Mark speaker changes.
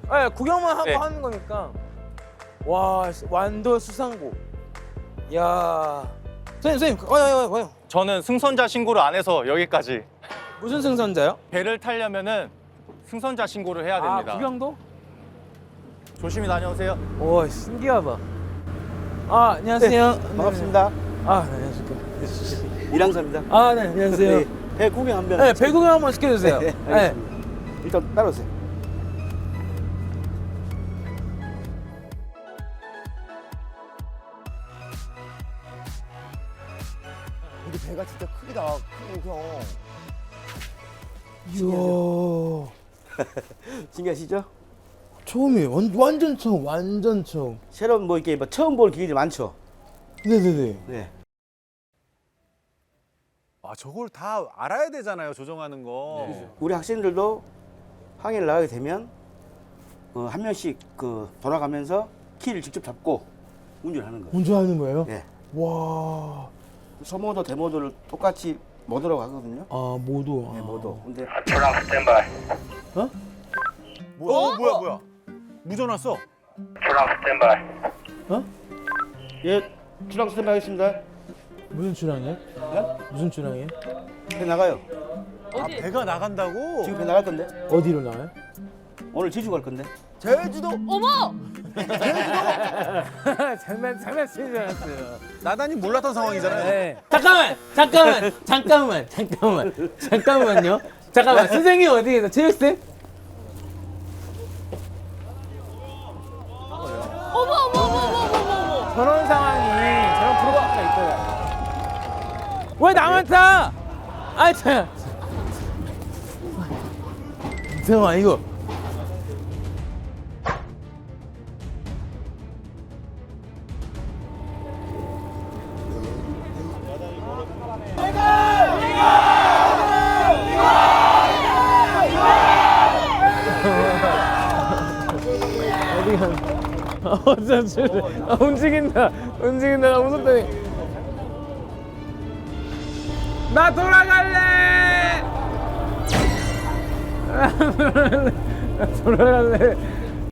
Speaker 1: 네, 구경만 하고
Speaker 2: 네.
Speaker 1: 하는 거니까. 와, 완도 수상고. 야, 선생님, 와요.
Speaker 2: 저는 승선자 신고를 안 해서 여기까지.
Speaker 1: 무슨 승선자요?
Speaker 2: 배를 타려면은 승선자 신고를 해야 됩니다.
Speaker 1: 아, 구경도?
Speaker 2: 조심히 다녀오세요.
Speaker 1: 와, 신기하다. 아, 안녕하세요.
Speaker 3: 반갑습니다.
Speaker 1: 아, 네, 안녕하십니까.
Speaker 3: 이랑사입니다.
Speaker 1: 아, 네, 안녕하세요.
Speaker 3: 네, 배 구경 한번.
Speaker 1: 네, 배 구경 한번 시켜주세요.
Speaker 3: 네, 알겠습니다. 일단 따라오세요.
Speaker 4: 우리 배가 진짜 크기다. 크고 형.
Speaker 1: 이야,
Speaker 3: 신기하시죠?
Speaker 1: 처음이에요. 완전 처음, 완전 처음.
Speaker 3: 새로운 뭐 이렇게 뭐 처음 볼 기계들 많죠.
Speaker 1: 네네네.
Speaker 3: 네.
Speaker 5: 아 저걸 다 알아야 되잖아요 조정하는 거.
Speaker 3: 우리 학생들도 항해를 나가게 되면 한 명씩 돌아가면서 키를 직접 잡고 운전하는 거예요.
Speaker 1: 운전하는 거예요?
Speaker 3: 네.
Speaker 1: 와.
Speaker 3: 소모도 대모도를 똑같이 모드라고 하거든요.
Speaker 1: 아, 모두.
Speaker 3: 네, 모드. 근데
Speaker 5: 뭐야? 무전 왔어.
Speaker 3: 예, 출항 스탠바이 하겠습니다.
Speaker 1: 무슨 출항이에요?
Speaker 3: 네?
Speaker 1: 무슨 출항이에요?
Speaker 3: 배 나가요.
Speaker 5: 아 배가 나간다고?
Speaker 3: 지금 배 나갈 건데.
Speaker 1: 어디로 나와요?
Speaker 3: 오늘 제주 갈 건데.
Speaker 4: 제주도.
Speaker 6: 어머!
Speaker 1: 장난치지 않았어요.
Speaker 5: 나단이 몰랐던 상황이잖아요.
Speaker 1: 네. 잠깐만요. 잠깐만, 선생님 어디 계세요? 체육쌤?
Speaker 6: 어머!
Speaker 1: 저런 상황이, 저런 프로가 있더라고요. 왜 나만 타? 아이, 참. 잠깐만, 이거. 움직인다. 나 무섭다니. 나 돌아갈래. 나 돌아갈래.